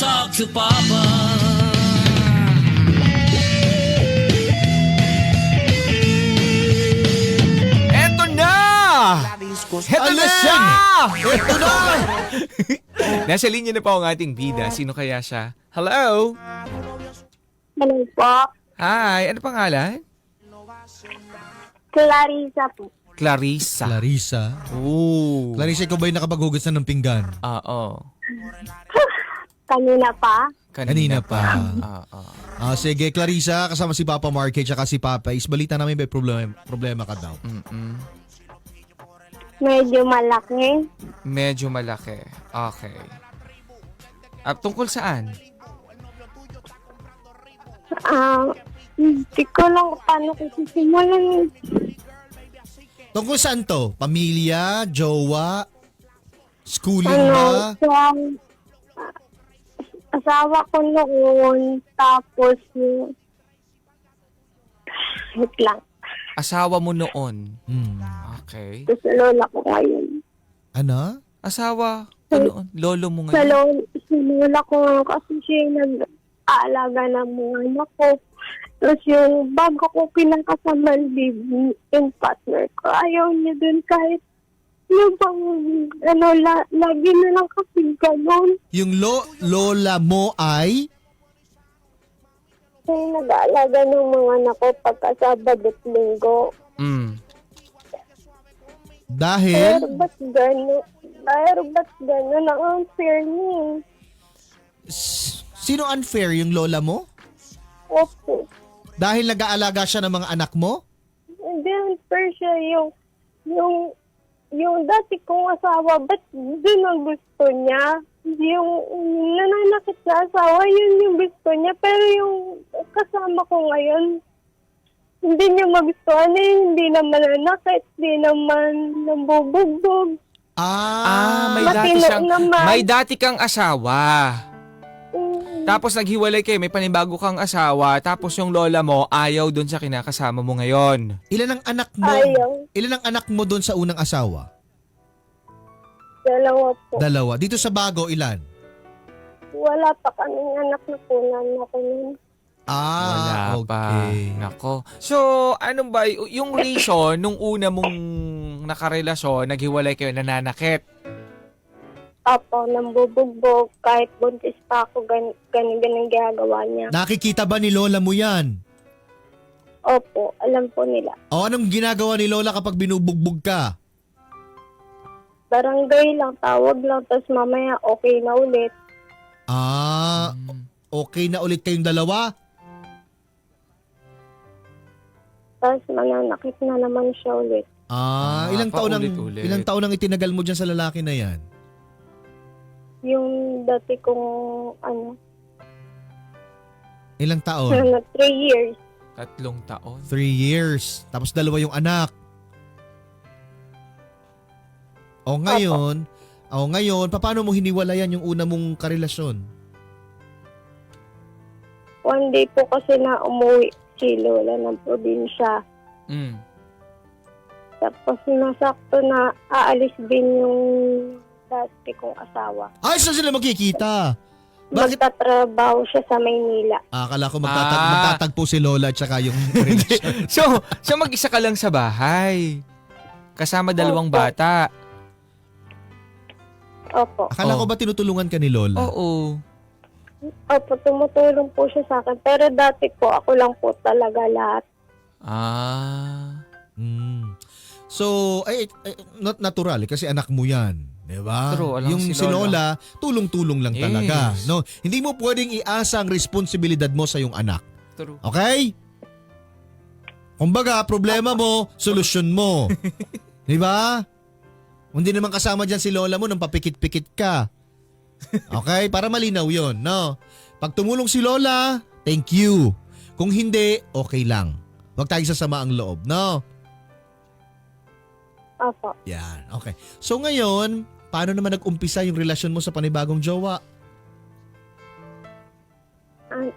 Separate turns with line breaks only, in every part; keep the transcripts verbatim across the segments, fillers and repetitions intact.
talk to Papa.
Eto na! Eto na siya! Eto na! Nasa linya na po ang ating bida. Sino kaya siya? Hello?
Hello po.
Hi, ano pangalan?
Clarissa po.
Clarissa.
Clarissa.
Oh.
Clarissa, ikaw ba yung nakapaghugas na ng pinggan?
Oo.
Kanina pa.
Kanina pa.
Oo.
Ah, sige, Clarissa, kasama si Papa Mark at si Papa Is. Balita namin may problema, problema ka daw.
Mm-mm.
Medyo malaki.
Medyo malaki. Okay. Ah, tungkol saan?
Ah, hindi ko lang paano ko sisimulan.
Tungkol saan to? Pamilya? Jowa? Schooling
Ano,
ba?
so, ah, asawa ko noon, tapos yung... Wait lang.
Asawa mo noon.
Hmm.
Okay.
Tapos lola ko ngayon.
Ano?
Asawa ko noon. Lolo mo
Sa,
ngayon.
lo, sa lola ko ngayon kasi siya yung nag-aalaga ng mga anak ko. Tapos yung bago ko pinakasama live-in partner ko, ayaw niya dun kahit yung bang, ano, la, lagi na lang kasi gano'n.
Yung lo, lola mo ay?
Siya yung nag-aalaga ng mga anak ko pagka Sabado at Linggo.
Mm.
Dahil?
Pero ba't gano'n? Pero ba't gano'n? Ang unfair niya.
S- Sino unfair? Yung lola mo?
Opo.
Dahil nag-aalaga siya ng mga anak mo?
Hindi unfair siya yung, yung, yung dati kong asawa, ba't doon ang gusto niya? Yung nananakit sa asawa, yun yung gusto niya. Pero yung kasama ko ngayon, hindi niya magustuhan eh. Hindi naman nanakit, hindi naman nambubugbog.
Ah,
Ah, may dati
Matino
siyang
naman.
may dati kang asawa.
Mm,
Tapos naghiwalay kayo, may panibago kang asawa, tapos yung lola mo ayaw doon sa kinakasama mo ngayon.
ilan ang anak mo?
Ayaw.
Ilan ang anak mo doon sa unang asawa?
Dalawa po.
Dalawa. Dito sa bago, ilan?
Wala pa kaming anak na punan ako nun.
Ah,
Wala pa.
okay.
Nako. So, ano ba, y- yung reason, nung una mong nakarelasyon, naghiwalay kayo, nananakit.
Apo, nambubugbog. Kahit buntis pa ako, gan ganun-ganun ginagawa niya.
Nakikita ba ni lola mo yan?
Opo, alam po nila.
O anong ginagawa ni lola kapag binubugbog ka?
Barangay lang, tawag lang, tapos mamaya okay na ulit.
Ah,
Mm.
okay na ulit kayong dalawa?
Tapos mananakit na naman siya ulit.
Ah,
Ah,
ilang taon ang
paulit-ulit.
ilang taon ang itinagal mo diyan sa lalaki na 'yan?
Yung dati kong, ano,
Ilang taon?
ano, three years.
Tatlong taon.
Three years. Tapos dalawa yung anak. O ngayon, o ngayon, paano mo hiniwalayan yung una mong karelasyon?
One day po kasi na umuwi si Lola ng probinsya.
Mm.
Tapos nasakto na aalis din yung dati kong asawa.
Ay, saan sila magkikita? Bakit?
Magtatrabaho siya sa Maynila.
Ah, akala ko magtatag
Ah.
magtatagpo si Lola at saka yung relasyon.
So, so mag-isa ka lang sa bahay. Kasama dalawang
Opo.
bata.
Opo.
Akala ko
Oh.
ba tinutulungan ka ni Lola?
Oo.
Opo, tumutulong po siya sa akin. Pero dati po, ako lang po talaga lahat.
Ah.
Mm. So, ay, ay, not natural eh, kasi anak mo 'yan, 'di ba?
True, alam
Yung
si
si Lola, tulong-tulong lang
Yes.
talaga, no? Hindi mo pwedeng iasa ang responsibilidad mo sa iyong anak.
True.
Okay? Kumbaga, problema mo, solusyon mo. 'Di ba? Hindi naman kasama diyan si Lola mo nang papikit-pikit ka. Okay? Para malinaw 'yon, no? Pag tumulong si Lola, thank you. Kung hindi, okay lang. Huwag tayong sasama ang loob, no?
Opo.
Yan, okay. So ngayon, paano naman nag-umpisa yung relasyon mo sa panibagong jowa?
An-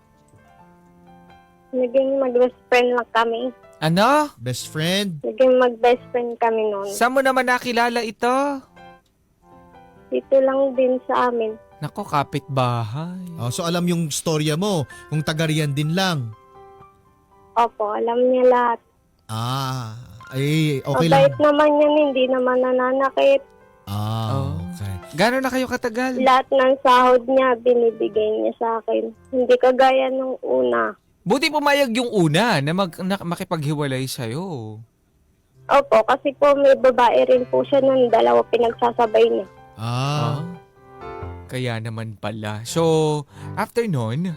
Naging mag-best friend lang kami.
Ano?
Best friend?
Naging mag-best friend kami noon.
Saan mo naman nakilala ito?
Dito lang din sa amin.
Nako, kapitbahay.
Oh, so alam yung storya mo, kung taga riyan din lang.
Opo, alam niya lahat.
Ah, ay, okay lang.
Mabait naman yan, hindi naman nananakit.
Ah,
Oh.
okay.
Gano'n na kayo katagal?
Lahat ng sahod niya, binibigay niya sa akin. Hindi kagaya nung una.
Buti pumayag yung una na, mag, na makipaghiwalay sa'yo.
Opo, kasi po may babae rin po siya nun, dalawa pinagsasabay niya.
Ah,
Ah, kaya naman pala. So, after nun,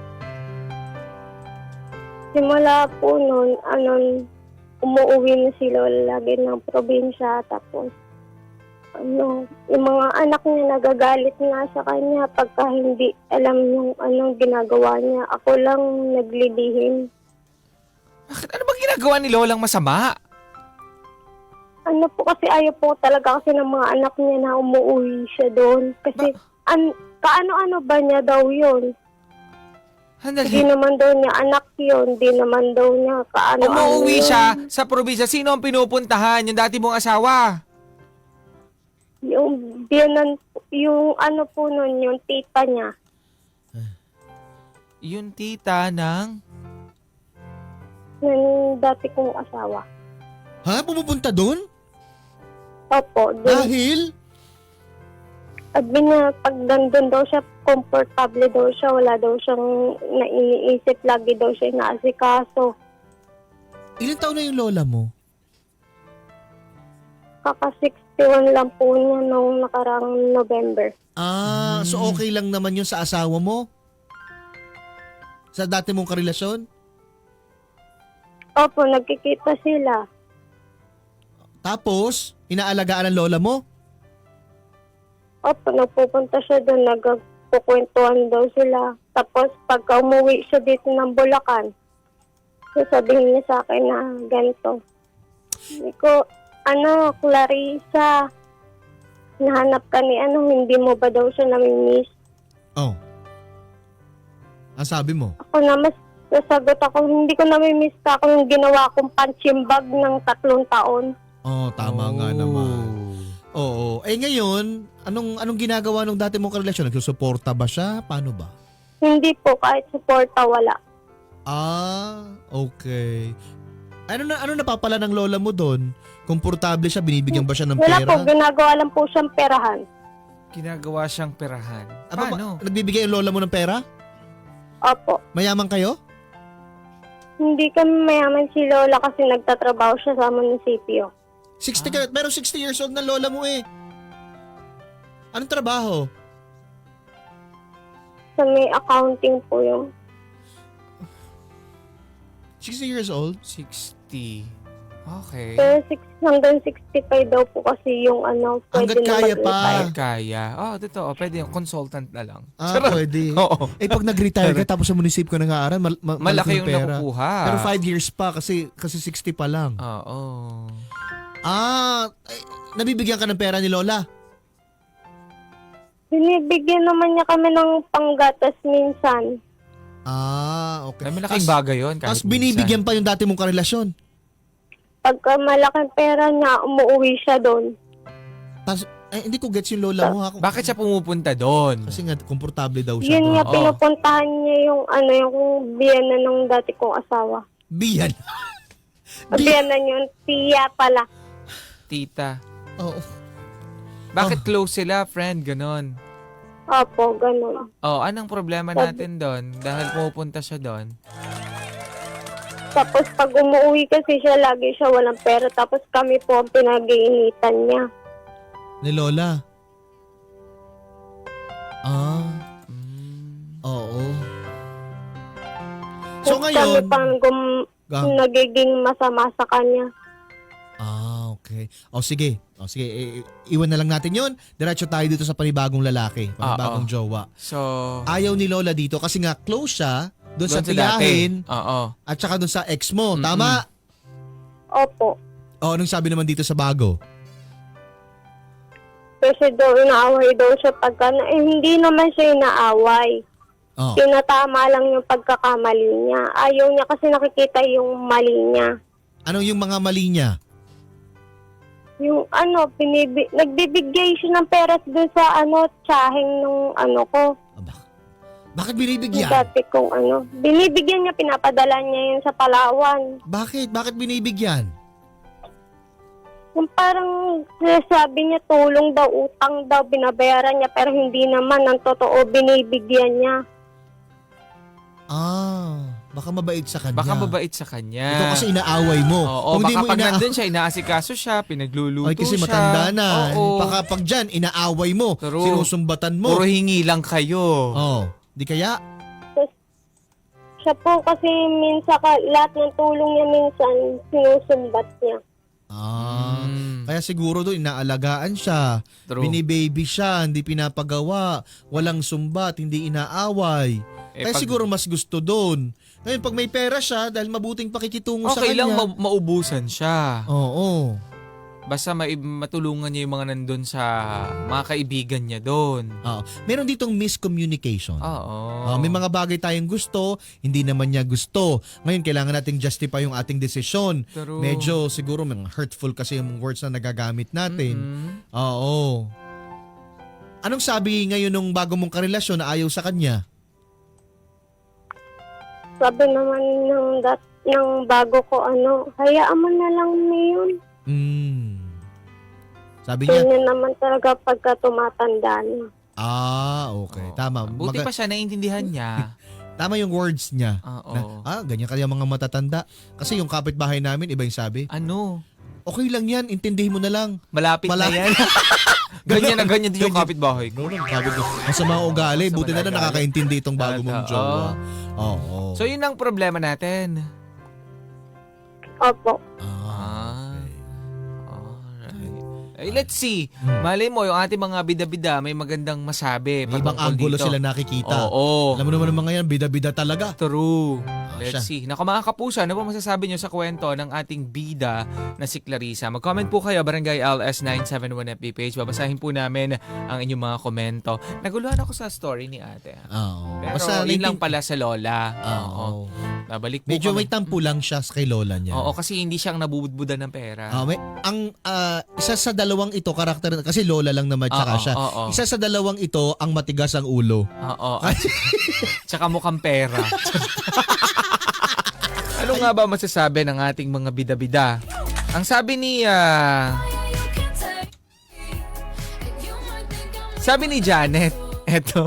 Simula po nun, ano, umuwi na si Lola lagi ng probinsya. Tapos, ano, yung mga anak niya nagagalit nga sa kanya pagka hindi alam yung anong ginagawa niya. Ako lang naglilihim.
bakit ano bang ginagawa ni Lolang masama?
Ano po kasi ayaw po talaga kasi ng mga anak niya na umuwi siya doon. Kasi, an, kaano-ano ba niya daw yun? Hindi
Handali.
naman daw niya anak yun. Hindi naman daw niya kaano-ano
Umuwi
yun.
siya sa probinsya. Sino ang pinupuntahan? Yung dati mong asawa?
Yung biyanan, yung ano po nun, yung tita niya.
Yung tita ng...
Yung dati kong asawa.
ha? Pumupunta doon?
Opo. Dun,
Dahil?
sabi niya, pag nandun daw siya, komportable daw siya. Wala daw siyang naiisip. Lagi daw siya inaasikaso.
Ilan taon na yung lola mo?
Kaka sixty-one lang po niya nung nakarang November.
Ah, so okay lang naman yun sa asawa mo? Sa dati mong karelasyon?
Opo, nagkikita sila.
Tapos, inaalagaan ng lola mo?
Opo, nagpupunta siya doon. Nagkukwentuhan daw sila. Tapos, pagka umuwi siya dito ng Bulacan, sasabihin niya sa akin na ganito. Hindi ko, ano, Clarissa, nahanap ka ni ano, hindi mo ba daw siya namimiss?
Oh. Ang sabi mo?
Ako na mas nasagot ako, hindi ko namimiss ka ako yung ginawa kong punching bag ng tatlong taon.
Oh, tama nga naman. Oo. Eh ngayon, anong anong ginagawa nung dati mong karelasyon? Nagsusuporta ba siya? Paano ba?
Hindi po, kahit suporta, wala.
Ah, okay. Ano na ano napapala ng lola mo doon? Komportable siya, binibigyan ba siya ng
Wala
pera?
po, ginagawa lang po siyang perahan.
Ginagawa siyang perahan.
Ah, pa-
Paano?
Nagbibigay yung lola mo ng pera?
Opo.
Mayaman kayo?
Hindi kami mayaman si Lola kasi nagtatrabaho siya sa munisipyo.
sixty
Ah.
ka, pero sixty years old na lola mo eh. Anong trabaho?
Sa may accounting po yung
sixty years old?
sixty. Okay.
pero six, hanggang sixty-five daw po kasi yung ano, pwede
Hanggat
na
kaya pa.
mag-retire.
Kaya. Oh, totoo. Pwede yung consultant na lang.
Ah,
Charot.
pwede.
Oo.
Eh pag nag-retire ka tapos sa munisipyo ka nag-aaral, mal- ma-
Malaki yung
pera.
nakukuha.
Pero five years pa kasi kasi sixty pa lang.
Oo.
Ah, eh, nabibigyan ka ng pera ni lola?
Binibigyan naman niya kami ng panggatas minsan.
Ah, okay.
Ay, malaking
Tas-
bagay yun. kahit
Tapos binibigyan pa yung dati mong karelasyon.
Pagka malaking pera niya, umuwi siya doon.
Tapos, eh, hindi ko gets yung lola mo ha.
minsan. Bakit siya pumupunta doon?
Kasi nga, komportable daw siya.
Yun nga,
Oo.
pinupuntahan niya yung ano, yung biyana ng dati kong asawa.
Biyan. Bi-
Biyana yung tiya pala.
Tita.
Oo.
Bakit
Oh.
close sila, friend? Ganon.
Opo, ganun.
Oh, anong problema natin doon? Dahil pumupunta siya doon.
Tapos pag umuwi kasi siya, lagi siya walang pera. Tapos kami po ang pinag-iinitan niya.
Ni lola. Ah,
Mm.
oo. So
Tapos
ngayon,
kami pang gum-
Ah.
nagiging masama sa kanya.
ah, okay. O sige. O sige, i- i- iwan na lang natin yun. Diretso tayo dito sa panibagong lalaki, panibagong
Oo.
jowa.
So,
Ayaw ni lola dito kasi nga close siya doon sa
doon sa dati.
tiyahin
Oo.
at saka doon sa ex mo.
Mm-mm.
Tama?
Opo.
O, anong sabi naman dito sa bago?
Kasi daw inaaway daw siya pagka, eh, hindi naman siya inaaway.
Oh.
Tinatama lang yung pagkakamali niya. Ayaw niya kasi nakikita yung mali niya.
Ano yung mga mali niya?
yung ano, binibi, nagbibigay siya ng pera doon sa ano, tsaheng nung ano ko.
Aba, bakit
Yung
binibigyan?
dati kong ano. Binibigyan niya, pinapadala niya yun sa Palawan.
Bakit? Bakit binibigyan?
Yung parang sabi niya tulong daw, utang daw, binabayaran niya, pero hindi naman, ang totoo, binibigyan niya.
Ah, baka mabait sa kanya.
Baka mabait sa kanya.
Ito kasi inaaway mo.
Oo,
Kung hindi
baka
mo
pag
ina-
nandun siya, inaasikaso siya, pinagluluto
Ay, kasi
siya.
matanda na.
Oo.
Baka pag dyan, inaaway mo.
True.
Sinusumbatan mo.
Puro hingi lang kayo.
Oh, di kaya?
Siya po kasi minsan, ka, lahat ng tulong niya minsan, sinusumbat niya.
Ah,
Mm.
kaya siguro doon inaalagaan siya.
True.
Binibaby siya, hindi pinapagawa. Walang sumbat, hindi inaaway.
Eh,
Kaya
pag-
siguro mas gusto doon. Ngayon, pag may pera siya, dahil mabuting pakikitungo sa
Okay
kanya.
lang ma- maubusan siya.
Oo.
Basta ma- matulungan niya yung mga nandun sa mga kaibigan niya doon.
Oo. Meron ditong miscommunication.
Oo.
Ah, may mga bagay tayong gusto, hindi naman niya gusto. Ngayon, kailangan nating justify yung ating desisyon.
True.
Medyo siguro mga hurtful kasi yung words na nagagamit natin.
Mm-mm.
Oo. Anong sabi ngayon nung bago mong karelasyon na ayaw sa kanya?
Sabi naman ng, dat, ng bago ko, ano, hayaan mo na lang niyon.
Hmm. Sabi niya,
Ganyan naman talaga pagka tumatanda na.
ah, okay.
Oo.
Tama.
Buti
Maga-
pa siya, naiintindihan niya.
Tama yung words niya.
Oo.
Na, ah, ganyan kaya mga matatanda. Kasi yung kapitbahay namin, iba yung sabi,
Ano?
okay lang yan, intindihin mo na lang.
Malapit
Mala-
na yan. ganyan na ganyan din yung
Ganyan.
kapitbahay ko.
No, no, sabi ko, masama ugali.
Masama
Buti na
na
na
ugali.
nakakaintindi itong bago mong
Oo.
jowa. Oo.
So yun ang problema natin.
Opo.
Ah, okay.
Alright. Eh, let's see.
Hmm.
Malay mo, yung ating mga bida-bida may magandang masabi.
May ibang
patungkol
angulo
dito.
sila nakikita.
Oo.
Alam mo naman ng mga yan, bida-bida talaga.
True.
Ah,
Let's
siya.
see. Naku mga kapuso, ano po masasabi nyo sa kwento ng ating bida na si Clarissa? Mag-comment po kayo, Barangay L S nine seven one F B page. Babasahin po namin ang inyong mga komento. Naguluhan ako sa story ni ate.
Oo.
Pero
Basta
yun lang
naiintin-
pala sa lola.
Oo.
Babalik po
Medyo
kami.
may tampo lang siya kay lola niya.
Oo, kasi hindi siyang nabubudbudan ng pera.
Ah, may, ang ah, isa sa dalawang ito karakter kasi lola lang naman tsaka
Oo,
siya.
oo.
Isa sa dalawang ito ang matigas ang ulo.
Oo. At, tsaka mukhang pera. Ano nga ba masasabi ng ating mga bida-bida? Ang sabi ni ah, sabi ni Janet, eto.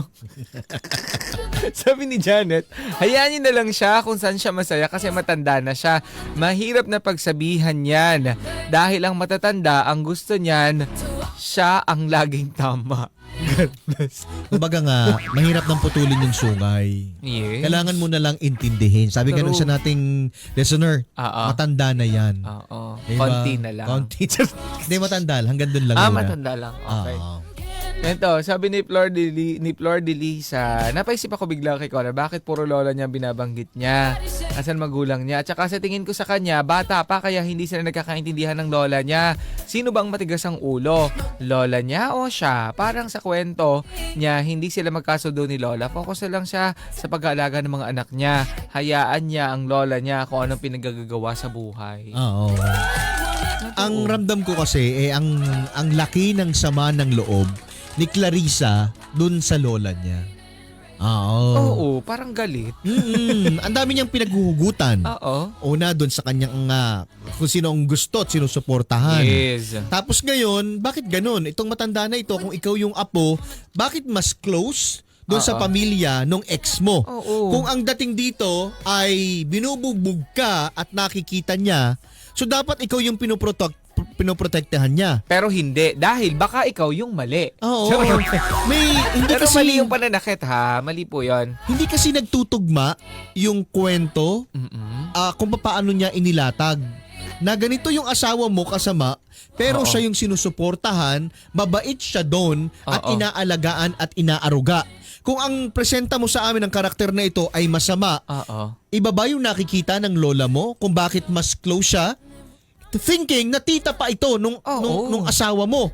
Sabi ni Janet, hayaan niyo na lang siya kung saan siya masaya kasi matanda na siya. Mahirap na pagsabihan yan. Dahil ang matatanda, ang gusto niyan, siya ang laging tama. God bless.
Kumbaga nga, mahirap nang putulin yung sungay.
Yes.
Kailangan mo na lang intindihin. Sabi nga
True.
nung sa nating listener,
Oo.
matanda na yan.
Oo.
Diba?
Konti na lang.
Konti. Hindi matanda lang. Hanggang doon lang.
Ah,
muna.
matanda lang. Okay.
Oo.
Ito, sabi ni Flor de, Li- ni Flor de Lisa, napaisip ako bigla kay Connor, bakit puro lola niya binabanggit niya? Asan magulang niya? At saka sa tingin ko sa kanya, bata pa kaya hindi sila nagkakaintindihan ng lola niya. Sino bang matigas ang ulo? Lola niya o siya? Parang sa kwento niya, hindi sila magkasundo ni lola. Focus na lang siya sa pag-aalaga ng mga anak niya. Hayaan niya ang lola niya kung anong pinagagagawa sa buhay.
Oo. Ang ramdam ko kasi, eh, ang, ang laki ng sama ng loob ni Clarissa dun sa lola niya. Oo.
Oo, parang galit.
Mm-mm. Ang dami niyang pinaghuhugutan.
Oo.
Una doon sa kanyang uh, kung sino ang gusto at sinusuportahan.
Yes.
Tapos ngayon, bakit ganun? Itong matanda na ito, kung ikaw yung apo, bakit mas close doon sa
Oo.
pamilya nung ex mo?
Oo.
Kung ang dating dito ay binubugbog ka at nakikita niya, so dapat ikaw yung pinoprotect, pinoprotektahan niya.
Pero hindi. Dahil baka ikaw yung mali.
Oo.
Charot.
May hindi
Pero
kasi
mali yung pananakit ha. Mali po yun.
hindi kasi nagtutugma yung kwento
Mm-mm.
ah, kung paano niya inilatag. Na ganito yung asawa mo kasama, pero
Oo.
siya yung sinusuportahan, mabait siya doon at
Oo.
inaalagaan at inaaruga. Kung ang presenta mo sa amin ng karakter na ito ay masama,
Oo.
iba ba yung nakikita ng lola mo kung bakit mas close siya? Thinking na tita pa ito nung,
Oo.
nung, nung asawa mo.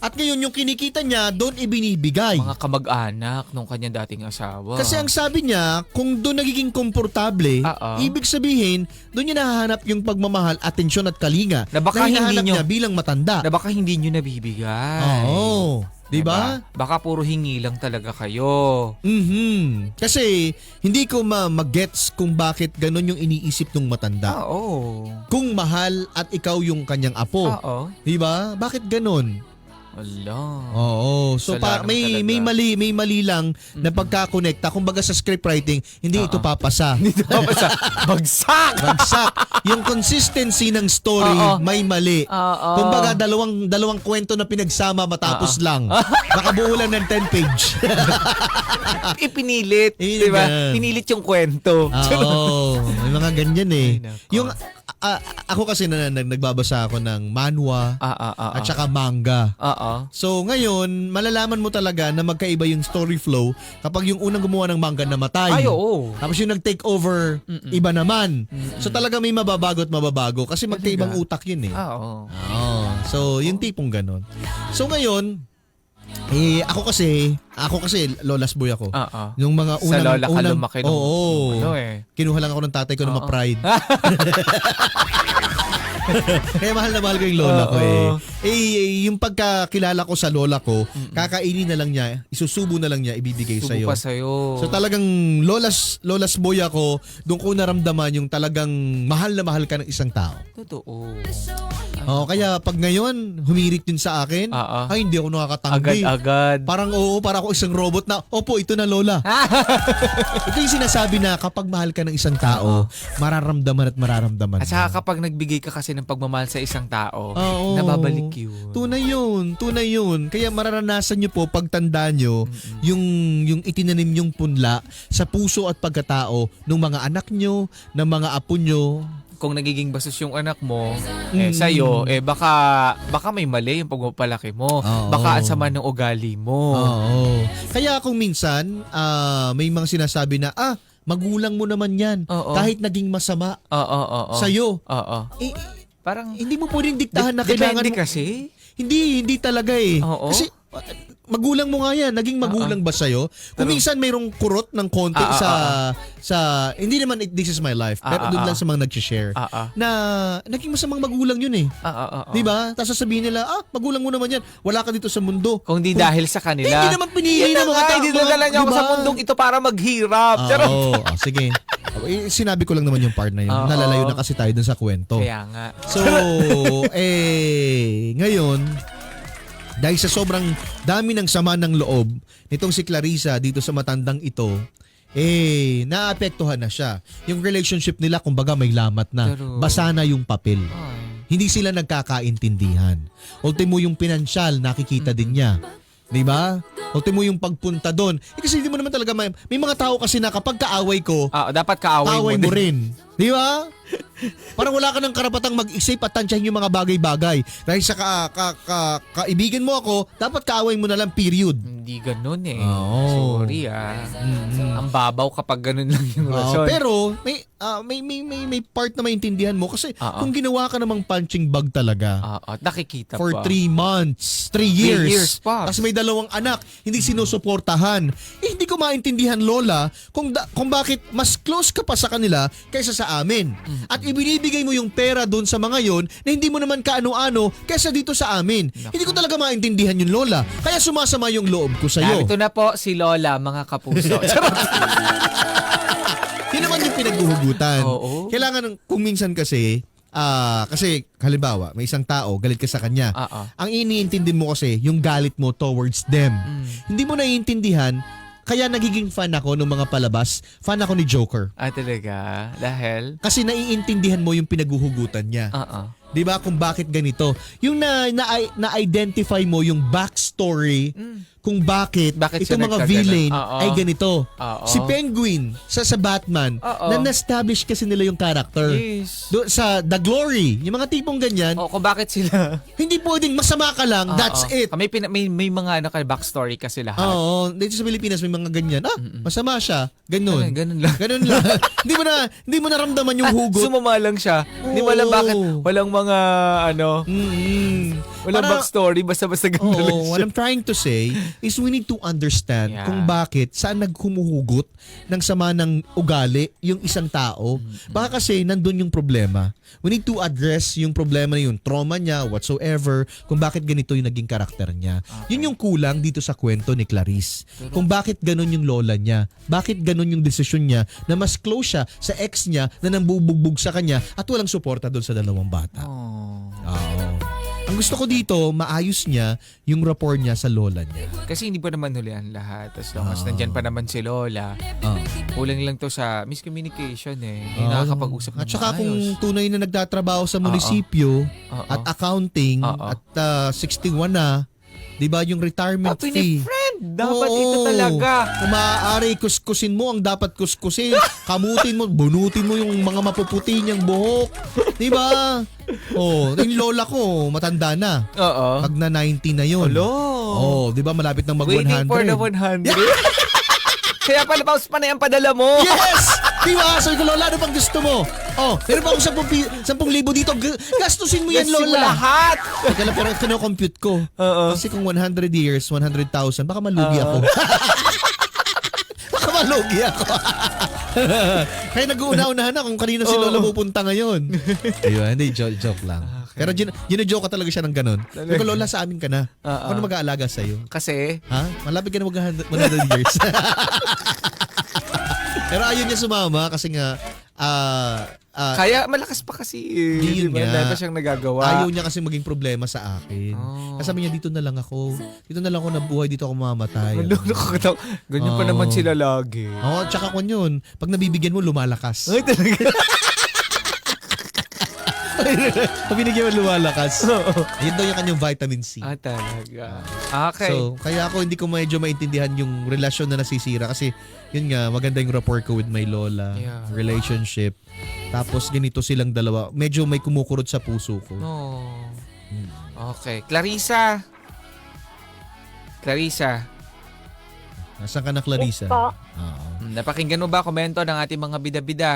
At ngayon, yung kinikita niya, doon ibinibigay.
Mga kamag-anak nung kanyang dating asawa.
Kasi ang sabi niya, kung doon nagiging komportable,
Oo.
ibig sabihin, doon niya nahahanap yung pagmamahal, atensyon at kalinga
Na baka hindi
hinahanap
niyo-
niya bilang matanda.
na baka hindi nyo nabibigay.
Oo. Di ba?
Baka puro hingi lang talaga kayo.
Mhm. Kasi hindi ko ma- mag-gets kung bakit ganun yung iniisip ng matanda.
Oo.
Kung mahal at ikaw yung kanyang apo.
Oo.
Di ba? Bakit ganun?
Ala.
Oo. So pa,
Salamat
may
talaga.
may mali may mali lang na pagkakonekta. Kumbaga sa scriptwriting, hindi ito papasa.
Basta, bagsak!
Bagsak. Yung consistency ng story
Oo.
may mali.
Oo.
Kumbaga dalawang dalawang kwento na pinagsama matapos lang. Nakabuo lang ng ten page.
Ipinilit.
Ipinilit
Di ba?
yan.
Pinilit yung kwento.
Oo. May mga ganyan eh.
Ay, nako.
Yung ah, ako kasi na, na, nagbabasa ako ng manhwa
Ah, ah, ah,
at
ah.
saka manga.
Oo.
So ngayon, malalaman mo talaga na magkaiba yung story flow kapag yung unang gumawa ng manga namatay.
Ay, oo.
Tapos yung nag-take over, iba naman. So talaga may mababago at mababago kasi magkaibang utak yun eh.
Ah, oo.
Oo. So yung tipong ganon. So ngayon, eh ako kasi, ako kasi lolas boy ako.
Oo.
Yung mga
Sa
unang
lola ka
unang
lumaki nung
oo.
ano eh.
Kinuha lang ako ng tatay ko na
Oo.
ma-pride. Kaya mahal na mahal ko yung lola ko eh.
Oo.
Eh, eh, yung pagkakilala ko sa lola ko, kakainin na lang niya, isusubo na lang niya, ibibigay
Subo
sa'yo.
pa sa'yo.
So talagang lolas, lolas boy ako, doon ko naramdaman yung talagang mahal na mahal ka ng isang tao.
Totoo.
Oh, kaya pag ngayon, humirit din sa akin,
Oo.
ay hindi ako nakakatanggi.
Agad-agad.
Parang oo, para ako isang robot na, opo, ito na lola. Ito yung sinasabi na kapag mahal ka ng isang tao, mararamdaman at mararamdaman
At
mo.
saka kapag nagbigay ka kasi ng pagmamahal sa isang tao,
Oo.
nababalik yun.
Tunay yun, tunay yun. Kaya mararanasan nyo po pagtanda nyo yung, yung itinanim yung punla sa puso at pagkatao ng mga anak nyo, ng mga apo nyo.
Kung nagiging bastos yung anak mo, eh,
Mm.
sa'yo, eh, baka, baka may mali yung pagpapalaki mo.
Oo.
Baka ang sama ng ugali mo.
Oo. Kaya kung minsan, ah, may mga sinasabi na, ah, magulang mo naman yan.
Oo.
Kahit naging masama
Oo, oo, oo.
sa'yo.
Oo.
Eh,
Parang,
hindi mo pwedeng diktahan na
Dep-
kailangan
depende
mo.
kasi.
Hindi, hindi talaga eh.
Oo.
Kasi uh, magulang mo nga yan. Naging magulang ba sa'yo? Kung
Pero-
minsan mayroong kurot ng konti
Ah, ah,
sa,
ah,
sa, hindi naman it, this is my life,
Ah,
pero
ah,
doon
ah.
lang sa mga nag-share,
Ah, ah.
na naging masamang magulang yun eh.
Ah, ah, ah, ah.
Di ba? Tapos sasabihin nila, ah, magulang mo naman yan. Wala ka dito sa mundo.
Kung di dahil sa kanila.
Eh, hindi naman pinili
Yun
ng
na
mga
nga,
tao.
hindi dinadala niya ako
Diba?
sa mundong ito para maghirap.
Ah,
Charot.
oo. Ah, sige. Eh, sinabi ko lang naman yung part na yun.
Oo.
Nalalayo na kasi tayo dun sa kwento.
Kaya nga.
So, eh, ngayon, dahil sa sobrang dami ng sama ng loob nitong si Clarissa dito sa matandang ito, eh, naapektuhan na siya. Yung relationship nila, kumbaga may lamat na.
Pero-
Basa na yung papel.
Ay.
Hindi sila nagkakaintindihan. Ultimo yung pinansyal, nakikita din niya. Di ba? Ultimo yung pagpunta doon. Eh, kasi hindi mo naman talaga may, may mga tao kasi na kapag kaaway ko,
Ah, dapat kaaway
kaaway
mo,
mo
din.
rin. Di ba? Parang wala ka ng karapatang mag-isip at tansyahin yung mga bagay-bagay. Dahil sa ka, ka, ka, kaibigan mo ako, dapat kaaway mo na lang, period.
Hindi ganun eh.
Oo.
Sorry ah.
Mm-mm.
Ang babaw kapag ganun lang yung
Oo,
rason.
pero may, ah, may, may, may, may part na maintindihan mo kasi
Oo.
kung ginawa ka namang punching bag talaga
Ah, ah, nakikita
for
pa.
three months, three
Three
years,
years pa.
tapos may dalawang anak, hindi sinusuportahan, eh, hindi ko maintindihan, Lola, kung, da, kung bakit mas close ka pa sa kanila kaysa sa amin. At ibinibigay mo yung pera doon sa mga yon na hindi mo naman kaano-ano kaysa dito sa amin. Hindi ko talaga maintindihan yun, Lola. Kaya sumasama yung loob ko sa'yo.
Narito na po si Lola, mga kapuso. Charot.
Yun naman yung pinaghuhugutan.
Oo.
Kailangan, kung minsan kasi, ah kasi halimbawa, may isang tao, galit ka sa kanya.
Ah, ah.
Ang iniintindi mo kasi, yung galit mo towards them.
Mm.
Hindi mo naiintindihan, kaya nagiging fan ako ng mga palabas. Fan ako ni Joker.
Ah, talaga? Dahil?
Kasi naiintindihan mo yung pinaghuhugutan niya.
Ah, ah.
'Di ba kung bakit ganito? Yung na na, na-identify mo yung backstory kung bakit,
Bakit siya
itong mga
nagkaganon.
villain
Oo.
ay ganito.
Oo.
Si Penguin sa sa Batman,
Oo.
na na-establish kasi nila yung character.
Yes.
Do, sa The Glory, yung mga tipong ganyan,
O, kung bakit sila?
hindi pwedeng masama ka lang, that's
Oo.
it.
May, pina- may, may mga ano, ka- backstory kasi lahat.
Oo, dito sa Pilipinas may mga ganyan. Ah, masama siya. Ganun.
Ganun, ganun lang.
Ganun lang. hindi mo na hindi mo naramdaman yung hugot.
Sumama lang siya. Hindi mo alam
Oo.
bakit walang mga ano.
Mm-mm.
Wala
Para-
backstory, basta-basta ganun lang
Oo, what
siya.
I'm trying to say is we need to understand
Yeah.
kung bakit saan naghumuhugot ng sama ng ugali yung isang tao. Baka kasi nandun yung problema. We need to address yung problema na yun, trauma niya, whatsoever, kung bakit ganito yung naging karakter niya. Yun yung kulang dito sa kwento ni Clarice. Kung bakit ganun yung lola niya, bakit ganun yung desisyon niya na mas close siya sa ex niya na nambubugbog sa kanya at walang suporta doon sa dalawang bata.
Oh.
Oo. Ang gusto ko dito, maayos niya yung rapport niya sa lola niya.
Kasi hindi pa naman hulihan lahat. As long as
Ah.
nandyan pa naman si Lola,
Ah.
kulang lang to sa miscommunication eh. Hindi
Oo.
nakakapag-usap ng
At saka
maayos.
kung tunay na nagtatrabaho sa munisipyo
Oo.
at accounting
Oo.
at uh, sixty-one na, 'di ba yung retirement
Happy
fee?
ni friend! Dapat
Oo.
ito talaga.
Kung maaari, kuskusin mo ang dapat kuskusin. Kamutin mo, bunutin mo yung mga mapuputi niyang buhok. 'Di ba? Oh, yung lola ko, matanda na.
Oo.
Pag na ninety na yun.
Hello.
Oh, 'di ba malapit nang mag one
Waiting
hundred.
for the one hundred. Kaya pala paus pa na yung padala mo.
Yes! Di ba? Sabi ko, Lola, ano pang gusto mo? Oh, meron pa akong sampung libo dito. G- Gastusin mo yan,
Gastusin mo
Lola.
lahat.
Teka lang, pero kino-compute ko.
Oo.
Kasi kung one hundred years, one hundred thousand, baka malugi
Oo.
ako. Baka malugi ako. Kaya nag-uuna-unahan na kung kanino si
Oo.
Lola pupunta ngayon. Ayun, hindi, joke, joke lang.
Okay.
Pero gin- gina-joke ka talaga siya ng ganun. Sabi ko, Lola, sa amin ka na.
Oo.
Ako na mag-aalaga sa'yo.
Kasi,
Ha? Malapit ka na mag one hundred years. Pero ayun niya sumama kasi nga ah ah,
kaya malakas pa kasi eh.
Yun
Diba?
nga.
Dahil pa siyang nagagawa.
ayaw niya kasi maging problema sa akin.
Oh.
Kasi sabi niya, dito na lang ako. Dito na lang ako nabuhay, dito ako mamamatay.
Ano, nakakatawa. Ganyan pa
Oo.
naman sila lagi.
Oo, tsaka kung yun, pag nabibigyan mo, lumalakas.
Ay, talaga.
Pag binigyan mo, lumalakas.
Oo.
Ayun daw yung kanyang vitamin C.
Ah, talaga. Okay.
So, kaya ako hindi ko medyo maintindihan yung relasyon na nasisira kasi yun nga, maganda yung rapport ko with my lola,
Yeah.
relationship. Tapos ganito silang dalawa. Medyo may kumukurot sa puso ko.
no.
Hmm.
Okay. Clarissa. Clarissa.
Nasaan ka na, Clarissa?
Yes po.
Oo.
hmm, Napakinggan mo ba komento ng ating mga bida-bida?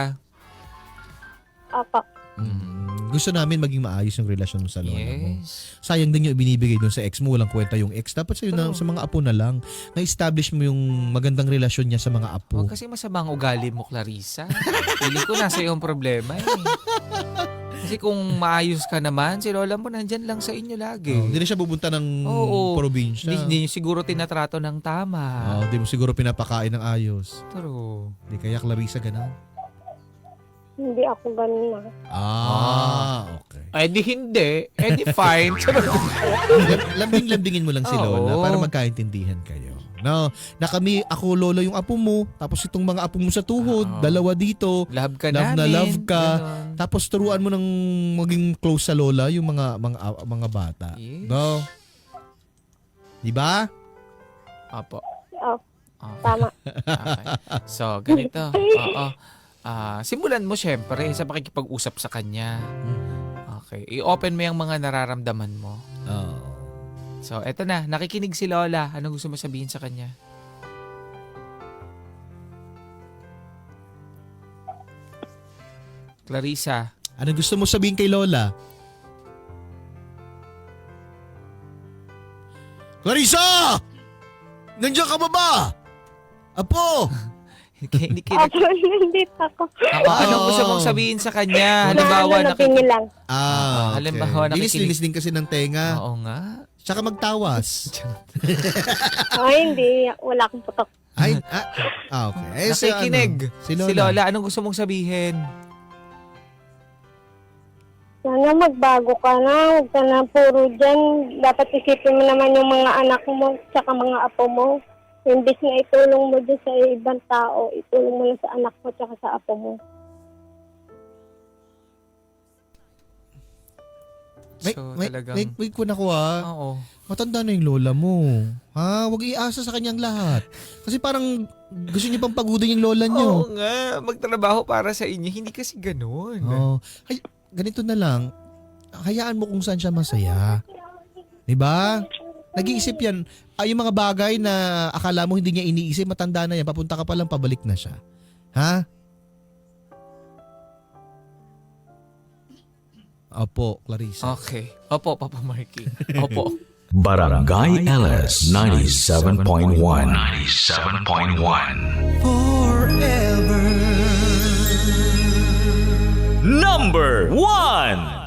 Opo.
Mm, gusto namin maging maayos yung relasyon mo sa lola mo.
Yes.
Sayang din yung ibinibigay doon sa ex mo. Walang kwenta yung ex. Dapat sa'yo na,
True.
sa mga apo na lang. Na-establish mo yung magandang relasyon niya sa mga apo.
Huwag kasi masama ang ugali mo, Clarissa. Feeling ko nasa iyong problema eh. Kasi kung maayos ka naman, si lola mo nandyan lang sa inyo lagi.
Oh, hindi na siya pupunta ng
Oo.
probinsya.
Hindi, hindi niyo siguro tinatrato ng tama.
Oh, hindi mo siguro pinapakain ng ayos.
True.
Hindi kaya Clarissa ganun?
Hindi ako ganun na.
Ah, okay.
Eh di hindi. Eh di fine.
Lam- Lambing-lambingin mo lang si
Oo.
Lola para magkaintindihan kayo. No, na kami, ako Lola yung apo mo, tapos itong mga apo mo sa tuhod,
Oo.
dalawa dito.
Love ka
Love
namin.
na love ka.
Ganon.
Tapos turuan mo ng maging close sa Lola yung mga mga mga bata.
Yes.
No? Di ba?
Opo.
Oh,
Okay.
tama.
Okay. So, ganito. Oo. Ah, simulan mo syempre sa pakikipag-usap sa kanya. Okay. I-open mo yung mga nararamdaman mo.
Oo.
So, eto na. Nakikinig si Lola. Anong gusto mo sabihin sa kanya? Clarissa.
Ano gusto mo sabihin kay Lola? Clarissa! Nandiyan ka ba ba? Apo!
Hindi kina-
Opo, nandito ako.
Ako, anong gusto mong sabihin sa kanya? Halimbawa,
Nalalabi niyo lang.
Ah, okay.
Halimbawa, nakikinig-
Linis-linis din kasi ng tenga.
Oo nga.
Tsaka magtawas.
Ay, hindi. Wala akong putok.
Ay, ah, ah, okay. Eh, si
Nakikinig.
ano, si Lola.
Si Lola, anong gusto mong sabihin?
Sana magbago ka na. Huwag ka na puro dyan. Dapat isipin mo naman yung mga anak mo tsaka mga apo mo. Imbis na itulong mo dyan sa ibang tao, itulong mo lang sa anak mo tsaka sa apo mo.
May,
So,
may,
talagang...
may, wait ko na ko ah.
Oo.
Matanda na yung lola mo. Ha? Huwag iasa sa kanyang lahat. Kasi parang gusto niyo pang pagodin yung lola niyo.
Oo nga. Magtrabaho para sa inyo. Hindi kasi ganun.
Oh. Ay, ganito na lang. Hayaan mo kung saan siya masaya. 'Di ba? Nag-iisip yan. Ay, yung mga bagay na akala mo hindi niya iniisip, matanda na yan. Papunta ka pa lang, pabalik na siya. Ha? Opo, Clarissa.
Okay. Opo, Papa Marky. Opo.
Barangay L S ninety-seven point one. ninety-seven point one. Forever. Number one.